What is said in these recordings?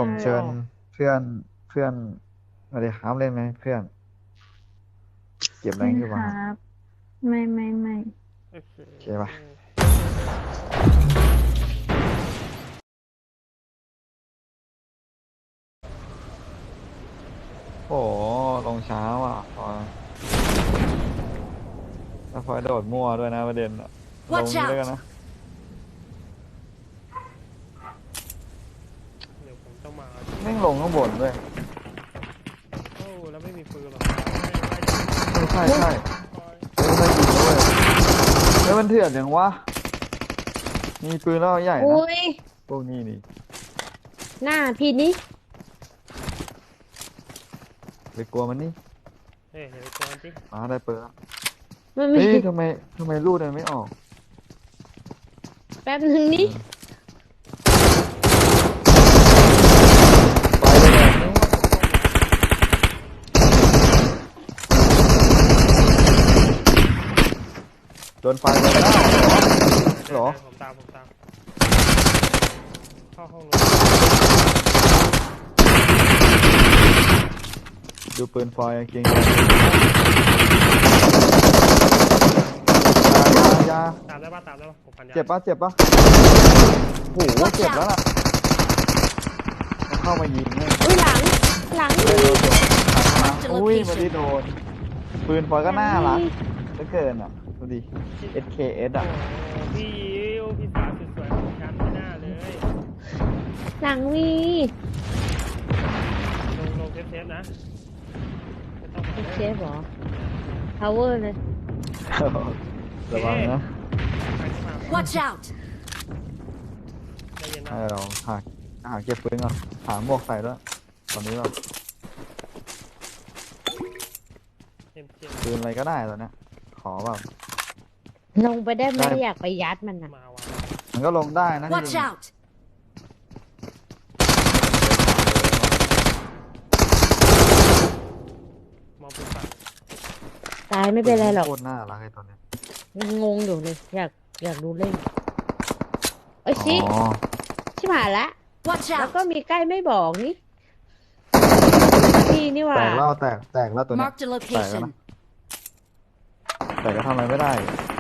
ผมเชิญเพื่อนเพื่อนมาเลยครับเล่นไหมเพื่อนเก็บแรเล่นครังอยู่ป่ะครับบไม่โอเคโอเคป่ะโอ้โหลงเช้าอ่ะพอยแล้วพลอยโดดมั่วด้วยนะประเด็นอะลง Watch นี้ด้วยกัน out! นะเดี๋ยวผมต้องมาแม่งลงข้างบนด้วยโอ้แล้วไม่มีปืนหรอกใช่ใช่คอยเฮ้ยไม่ยิงด้วยแล้วมันเถื่อนอย่างวะมีปืนแล้วใหญ่นะอุ้ยพวกนี้นี่หน้าพี่นี่ไปกลัวมันนี่เฮ้ยเดี๋ยวก่อนสิมาได้ปืนแล้วมันมีเฮ้ยทำไมลูกมันไม่ออกแป๊บนึงนี่ไปเลยแบบนี้โดนไฟไปแล้วเหรอผมตามเข้าห้องรถดูปืนไฟเก่งยาตามได้ป่ะผมพันยาเจ็บปะโอ้โหเจ็บแล้วล่ะมันเข้ามายิงเนี่ยอุ้ยหลังเลยโดนตัวขามา Marked a อุ้ยไมาได้ location. โดนปืนไฟก็น่ารักเหลือเกินอ่ะดูดิ SKS อ่ะโอ้พี่ยิวพี่สาวสวยๆของฉันไม่น่าเลยหลังมีลงเซฟนะไม่ต้องมาเชฟเหรอ power เลยระวังนะใครที่มา Watch out! ใจเย็นนะให้เราหาเก็บปืนก่อนหาหมวกใส่ด้วยตอนนี้แบบเจ็บปืนอะไรก็ได้ตอนเนี้ยขอแบบลงไปได้ไหมได้อยากไปยัดมันอ่ะมาว่ะมันก็ลงได้นะจ Watch ริง out! มองปืนฝั่งตายไม่เป็นไรหรอกโคตรน่ารักไอ้ตัวเนี้ยยังงงอยู่เลยอยากดูเล่นโอ้ยอ๋ชิอชิบหายละ Watch แล้วก็ out! มีใกล้ไม่บอกนี่พี่นี่หว่าแตกแล้วตัวเนี้ย Marked a แตกแล้ว location. นะแต่ก็ทำอะไรไม่ได้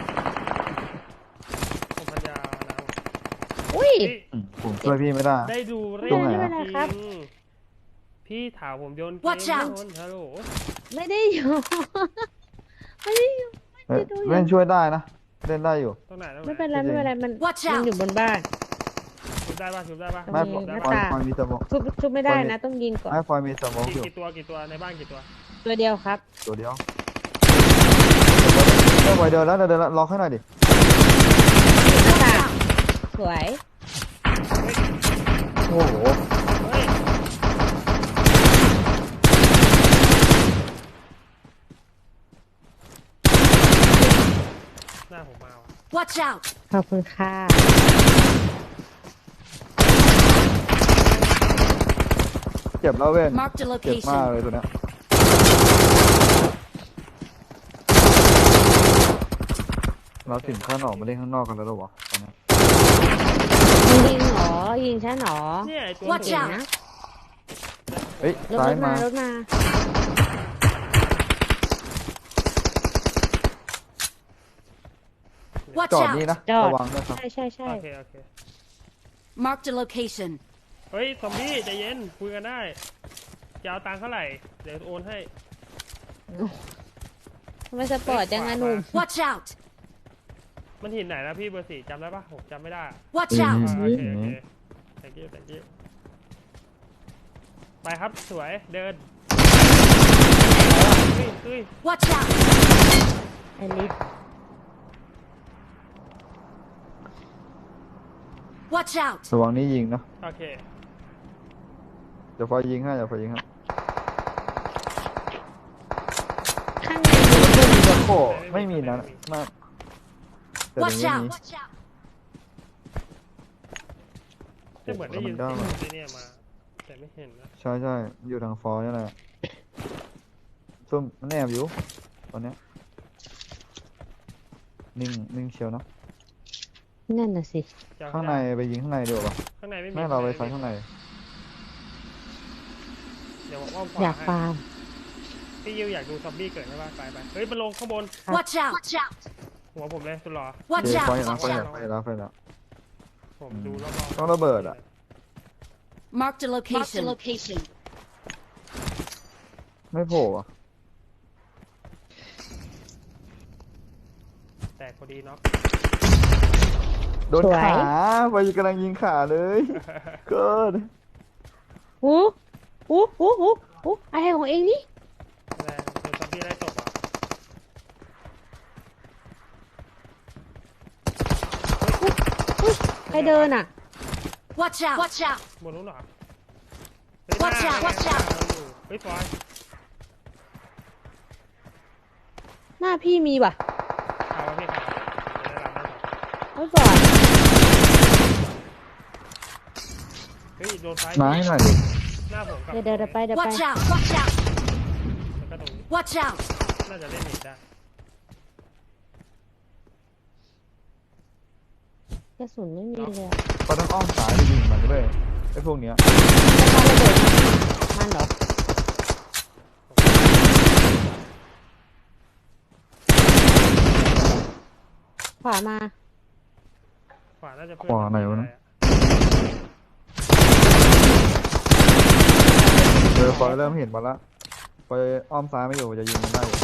ผมพันยานะอุ้ยผมช่วยพี่ไม่ได้ได้ดูเรื่ตรงไหนไม่อะเป็นไรครับพี่ถามผมโยนเกม Watch out โยนฮัลโหลไม่ได้อยู่ ไม่ได้อยู่เฮ้ยเล่นช่วยได้นะเล่นได้อยู่ตรงไหนไม่เป็นไรไม่เป็นไรมัน Watch มัน out อยู่บนบ้านชุบได้ป่ะชุบได้ป่ะไม่มีฟหน้าอยต่างฟอยมีสโมองชุบไม่ได้นะ ต้องยิงก่อนไม่ฟอยมีสโมองอยู่กี่ตัวในบ้านกี่ตัวตัวเดียวครับตัวเดียวเดินเดินแล้วล็อกให้หน่อยดิหน้าต่างสวยโอ้โหเฮ้ยหน้าผมมาว่ะ Watch out! ขอบคุณค่ะเจ็บแล้วเว้น Marked a เจ็บมาก location. เลยตัวเนี้ยเราถึงขั้นออกมาเล่นข้างนอกกันแล้วหรอวะตอนนี้ยิงเหรอยิงฉันเหรอเนี่ยไอตัว Watch เก่ง out นะเฮ้ยรถซ้ายมามารถมา Watch จอดนี่ out! นะจอดระวังด้วยครับใช่โอเค Marked a location. เฮ้ยซอมบี้ใจเย็นคุยกันได้จะเอาตังค์เท่าไหร่เดี๋ยวโอนให้ทำไมสปอร์ตจังอะหนุ่ม Watch out! มันหินไหนนะพี่เบอร์4จำได้ปะผมจำไม่ได้อะ Watch อื out! มโอเคthank you ไปครับสวยเดินเฮ้ย Watch out! อันนี้ Watch out! ระวังนี่ยิงนะโอเคเดี๋ยวฟอยยิงให้ข้างในจะโคไม่มีนะมากแต่ตรง Watch นี้ out! มีจะเหมือนได้ยินเสียงที่เนี่ยมาแต่ไม่เห็นนะใช่อยู่ทางฟอยนี่แหละซุ่มมันแอบอยู่ตอนเนี้ยนิ่งเชียวนะนั่นน่ะสิจะเอข้างในไปยิงข้างในดีกว่าปะข้างในไม่มีแม่เราไปใส่ข้างในเดี๋ยวผมอ้อมขอยาวาก ให้ฟาร์มพี่ยิวอยากดูซอมบี้เกิดใช่ป่ะไปเฮ้ยมันลงข้างบน Watch out! Watch out! หัวผมเลยสุดหล่อโอเค Watch ไฟ out! แล้ว Watch ไฟแล้ว out! ไฟแล้วไฟแล้วผมดูรอบๆต้องระเบิดอะ Marked a location. Marked a location. ไม่โผล่อะแตกพอดีเนาะโดนขาไฟกำลังยิงขาเลยเกิดหูอะไรของเองนี่แรงโดนซอมบี้ไล่ตบอ่ะใครเดินอ่ะ Watch out! Watch out! บนนู้นเหรอ Watch out! Watch out! เฮ้ยฟอยหน้าพี่มีป่ะเอาไว้พี่ครับจะได้รับได้ก่อนไม่ก่อนเฮ้ยโดนไฟมาให้หน่อยดิหน้าผมกับเดี๋ยวไป Watch out! Watch out! แล้วก็ตรงนี้ Watch out! น่าจะเล่นหนีได้กระสุนไม่มีเลยอะเขาต้องอ้อมสายไปยิงมันด้วยไอ้พวกเนี้ยมันเหรอขวามาขวาน่าจะเพื่อนขวาไหนวะนะ ไฟเริ่มเห็นมาละไฟอ้อมซ้ายไม่อยู่จะยิงมันได้อยู่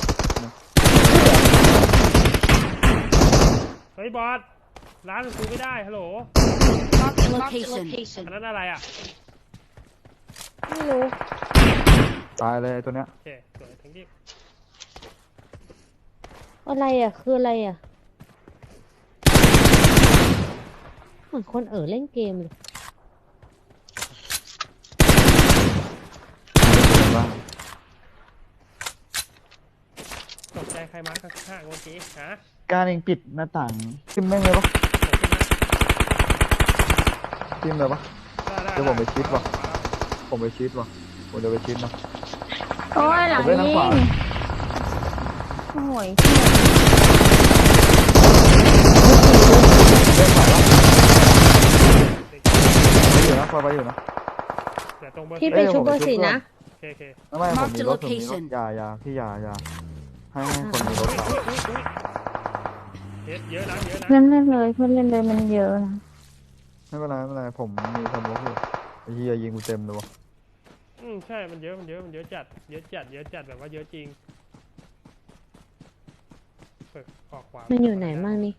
เฮ้ยบอสร้านกูไม่ได้ฮัลโหล Marked a location. อันนั้นอะไรอ่ะไม่รู้ตายเลยไอ้ตัวเนี้ยโอเคสวยทั้งที่อะไรอ่ะคืออะไรอ่ะเหมือนคนเล่นเกมเลยบ้างตกใจใครมาข้างๆเมื่อกี้ฮะการเองปิดหน้าต่างทิมแม่งเลยปะทิมเลยปะ เดี๋ยวผมไปชิดว่ะ ผมไปชิดว่ะผมจะไปชิดนะโอ้ยหลัผงมเล่นทางยิขวางโอ้ยเล่นขวาปะไปอยู่นะคอยไปอยู่นะเดี๋ยวตรงเบอร์พี่ไปชุบเบอร์สี่นะโอเคไม่ผมมีรถผมมีรถ Location อย่าพี่อย่าให้คนมีรถขับเยอะนะเยอะนะเพื่อนเล่นเลยเพื่อนเล่นเลยมันเยอะนะไม่เป็นไรผมมีสมองอยู่ไอ้เหี้ยยิงกูเต็มเลยวะใช่มันเยอะจัดแบบว่าเยอะจริงเปิดออกขวามันอยู่ไหนมั่งนี่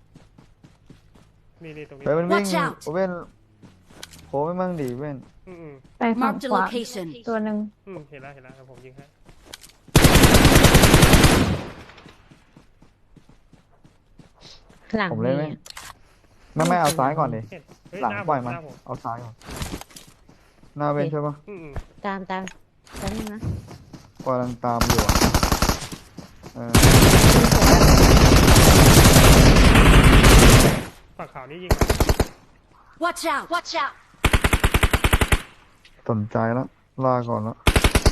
นี่ตรงนี้เฮ้ยมันวิ่ง Watch out เว้นโค้งไม่มั่งดีเว้นไปฝั่ง Marked a ขวา location. ตัวหนึ่งเห็นแล้วแล้วผมยิงให้หลังผมเล่นไหมนี่ไม่เอาซ้ายก่อนดิเห็นเฮ้ยหลังน้าปล่อยมันหน้าผมเอาซ้ายก่อนหน้าเว้นใช่ปะตามแป๊บนึงนะกำลังตามอยู่อะเออฝั่งขาวนี่ยิง Watch out! Watch out! สนใจแล้วลาก่อนแล้ว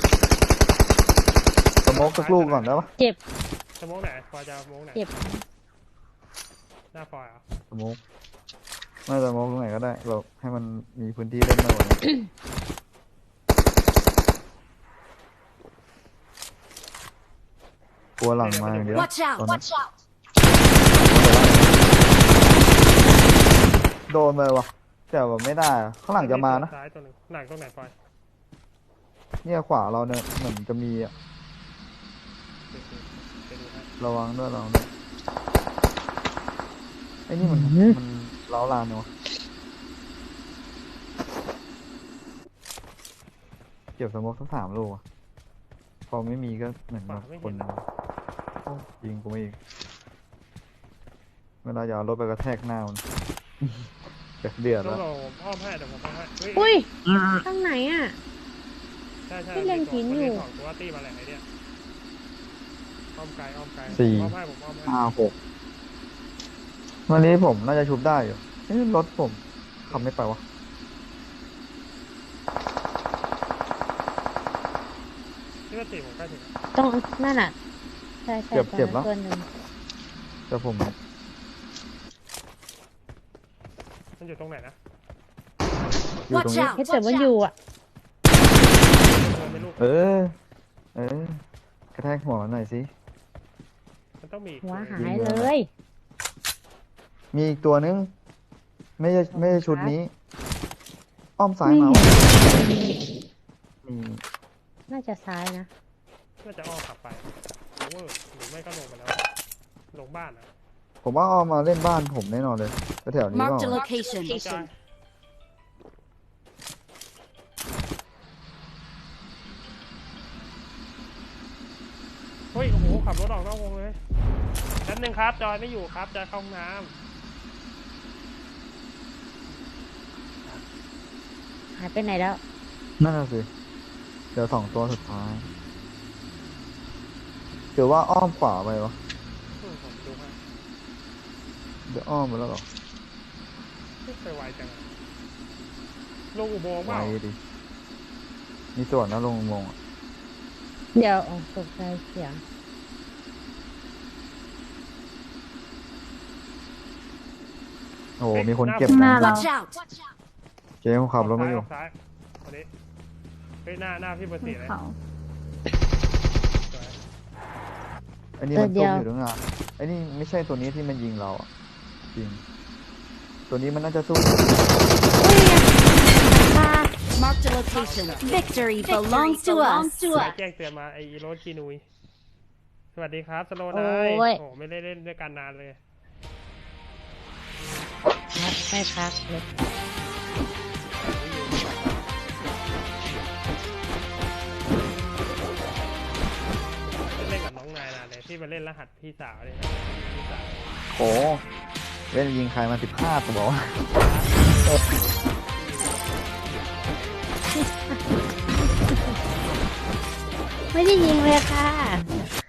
สโมกสักลูกก่อนได้ปะเจ็บสโมกไหนฟอยจะสโมกไหนเจ็บหน้าฟอยอ่ะสโมกไม่สโมกตรงไหนก็ได้แบบให้มันมีพื้นที่เล่นมากกว่านี้กลัวหลังมาอย่างเดียว Watch out! ตอนนี้ Watch out! โดนเลยวะแต่แบบไม่ได้อะข้างหลังจะมานะซ้ายตัวหนึ่งหลังตรงไหนฟอยเนี่ยขวาเราเนี่ยเหมือนจะมีอะไปดูให้ระวังด้วยไอ้นี่มันเล้าลานเนาะเก็บสโมกทั้ง3 ลูกอะพอไม่มีก็เหมือนแบบคนโอ้ยิงกูไม่อีกเวลาจะเอารถไปกระแทกหน้ามัน จะเดือดต้อแล้งวรอผมอ้อมให้เดี๋ยวผมอ้อมให้เฮ้ยอุ้ยข้างไหนอ่ะใช่ที่เล็งหินอยู่ของตัวตีมาแหละไอเนี่ยอ้อมไกลสี่ผมอ้อมให้ผมอ้อมให้ 6วันนี้ผมน่าจะชุบได้อยู่รถผมขับไม่ไปวะที่ว่าตีผมใกล้ถึงต้องนั่นอ่ะใช่เจ็บแล้วตัวหนึ่งแต่ผมมันอยู่ตรงไหนนะอยู่ตรงนี้ Watch out! เฮ้ยแต่มันอยู่อ่ะเดินไปลูกเออ เออ กระแทกหัวมันหน่อยสิมันต้องมีอีกหัวตัวหายเลยมีอีกตัวนึง ไม่ใช่ชุดนี้ อ้อมซ้ายไม่มาเห็นมีน่าจะซ้ายนะน่าจะอ้อมกลับไปโอเวอร์หรือไม่ก็ลงไปแล้ว ลงบ้านอ่ะผมว่าอ้อมมาเล่นบ้านผมแน่นอนเลยแถวๆนี้เป Marked a ล่า location. จอยเฮ้ย โอ้โห ขับรถออกนอกวงเลยแป๊บนึงครับ จอยไม่อยู่ครับ จอยเข้าห้องน้หายไปไหนแล้วนั่นน่ะสิ เดี๋ยว2 ตัวสุดท้ายเดี๋ยวว่าอ้อมขวาไปวะำผมดูให้เดี๋ยวอ้อมไปแล้วเหรอไม่ไปไวจังอะลงอุโมงค์เปไวล่าดิ มีส่วนนะลงอุโมงค์อะเดี๋ยวอ๋อตกใจเสียงโอ้โหมีคนเก็บหน้านะเรา Watch out! เจ๊ผมขับรถมาอยู่ออกซ้ายคนนี้เฮ้ยหน้าพี่เบอร์บสี่นเลยเขาสวยอันนี้มันเดี๋จยวมอยู่ตั้งนานไอ้นี่ไม่ใช่ตัวนี้ที่มันยิงเราอะจริง ตัวนี้มันน่าจะสู้ Marked a location. Victory belongs to us. สายแจ้งเตือนมาไอโรสกีนุยสวัสดีครับสโลนายโอ้ยโอ้ไม่ได้เล่นด้วยกันนานเลยพักไม่พักเลยเล่นกับน้องนายนานเลยที่มาเล่นรหัสพี่สาวเลยนะพี่สาวโอ้เล่นยิงใครมา15ตัววะไม่ได้ยิงเลยค่ะ